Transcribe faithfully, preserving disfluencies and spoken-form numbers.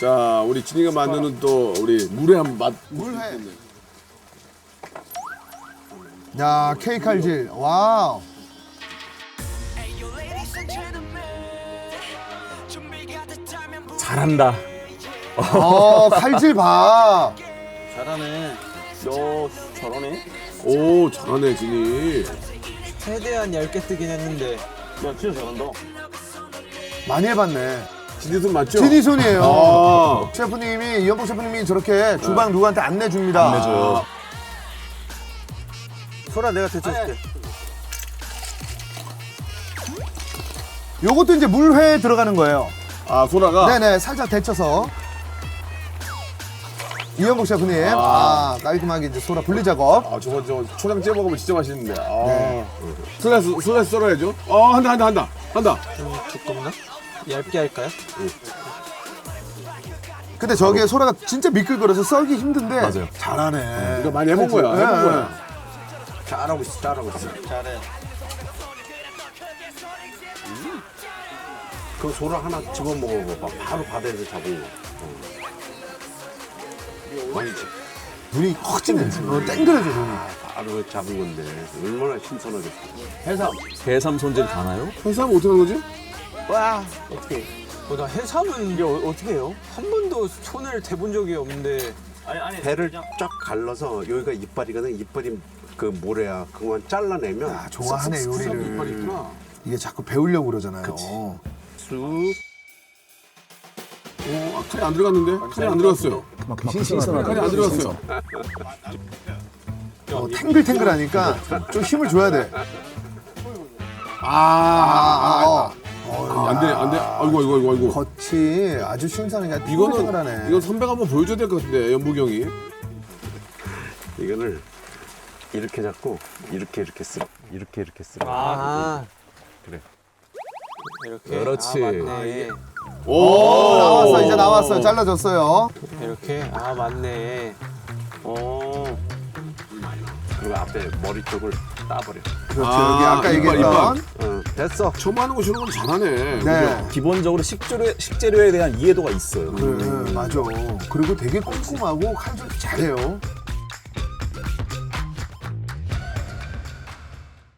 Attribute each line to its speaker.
Speaker 1: 자, 우리 진이가 만드는 또 우리 물회 한번 맛.
Speaker 2: 물회. 야, 케이크 칼질. 와우.
Speaker 3: 잘한다.
Speaker 2: 어, 칼질 봐.
Speaker 4: 잘하네.
Speaker 3: 요 저러네.
Speaker 1: 오, 잘하네, 진이.
Speaker 4: 최대한 얇게 뜨긴 했는데.
Speaker 3: 야 진짜 잘한다.
Speaker 2: 많이 해봤네.
Speaker 1: 진이 손 맞죠?
Speaker 2: 진이 손이에요.
Speaker 1: 아.
Speaker 2: 셰프님이, 이현복 셰프님이 저렇게 주방 누구한테 안 내줍니다.
Speaker 3: 안 내줘요.
Speaker 4: 소라 내가 데쳐줄게.
Speaker 2: 요것도 이제 물회에 들어가는 거예요.
Speaker 1: 아, 소라가?
Speaker 2: 네네, 살짝 데쳐서. 이현복 셰프님, 아, 깔끔하게 이제 소라 분리 작업.
Speaker 1: 아, 저거, 저거, 초장 찌어 먹으면 진짜 맛있는데. 아.
Speaker 2: 네.
Speaker 1: 슬라이스, 슬라이스 썰어야죠. 어, 한다, 한다, 한다. 한다.
Speaker 4: 좀 두껍나? 얇게 할까요?
Speaker 2: 근데 저게 소라가 진짜 미끌거려서 썰기 힘든데.
Speaker 3: 맞아요.
Speaker 2: 잘하네.
Speaker 1: 이거 많이 해본 거야, 해본
Speaker 2: 네.
Speaker 1: 거야.
Speaker 4: 잘하고 있어, 잘하고 있어. 잘해.
Speaker 5: 그 소라 하나 집어 먹어봐. 바로 바다에서 잡은 거. 맛있지?
Speaker 2: 눈이 확 찌네. 어, 땡그려져, 눈이.
Speaker 5: 바로 잡은 건데 얼마나 신선하겠어.
Speaker 1: 해삼.
Speaker 3: 해삼 손질 가나요?
Speaker 1: 해삼 어떻게 하는 거지?
Speaker 4: 와, 어떻게? 어, 나 해삼은 이게 어, 어떻게 해요? 한 번도 손을 대본 적이 없는데. 아니 아니.
Speaker 5: 배를 쫙 갈라서 여기가 이빨이거든. 이빨이 그 모래야. 그거만 잘라내면
Speaker 2: 아, 좋아하네,
Speaker 1: 이빨이
Speaker 2: 요리를.
Speaker 1: 있구나.
Speaker 2: 이게 자꾸 배우려고 그러잖아요.
Speaker 5: 쑥.
Speaker 1: 어, 아, 칼이 안 들어갔는데? 칼이 안 들어갔어요.
Speaker 3: 신선하다.
Speaker 1: 칼이 안 들어갔어요.
Speaker 2: 어, 탱글탱글하니까 좀 힘을 줘야 돼.
Speaker 1: 아, 아,
Speaker 2: 어.
Speaker 1: 아, 안 돼, 안 돼. 아이고, 아이고, 아이고, 아이고.
Speaker 2: 겉이 아주 신선하게
Speaker 1: 이거는,
Speaker 2: 탱글탱글하네.
Speaker 1: 이건 선배가 한번 보여줘야 될 것 같은데, 연복이 형이.
Speaker 5: 이거를 이렇게 잡고 이렇게 이렇게 쓸어. 이렇게 이렇게 쓸어.
Speaker 4: 아,
Speaker 5: 그래.
Speaker 4: 이렇게.
Speaker 3: 그렇지.
Speaker 4: 아, 맞네.
Speaker 1: 오!
Speaker 2: 나왔어, 이제 나왔어요. 잘라줬어요.
Speaker 4: 이렇게. 아, 맞네.
Speaker 5: 어. 그리고 앞에 머리 쪽을 따버려.
Speaker 2: 그렇죠.
Speaker 1: 아,
Speaker 2: 여기 아까
Speaker 1: 이빨,
Speaker 2: 얘기했던.
Speaker 5: 어, 됐어.
Speaker 1: 처음 하는 거 저런 건 잘하네.
Speaker 2: 네.
Speaker 3: 기본적으로 식재료 식재료에 대한 이해도가 있어요.
Speaker 2: 네, 맞아. 그리고 되게 꼼꼼하고 칼질 잘해요.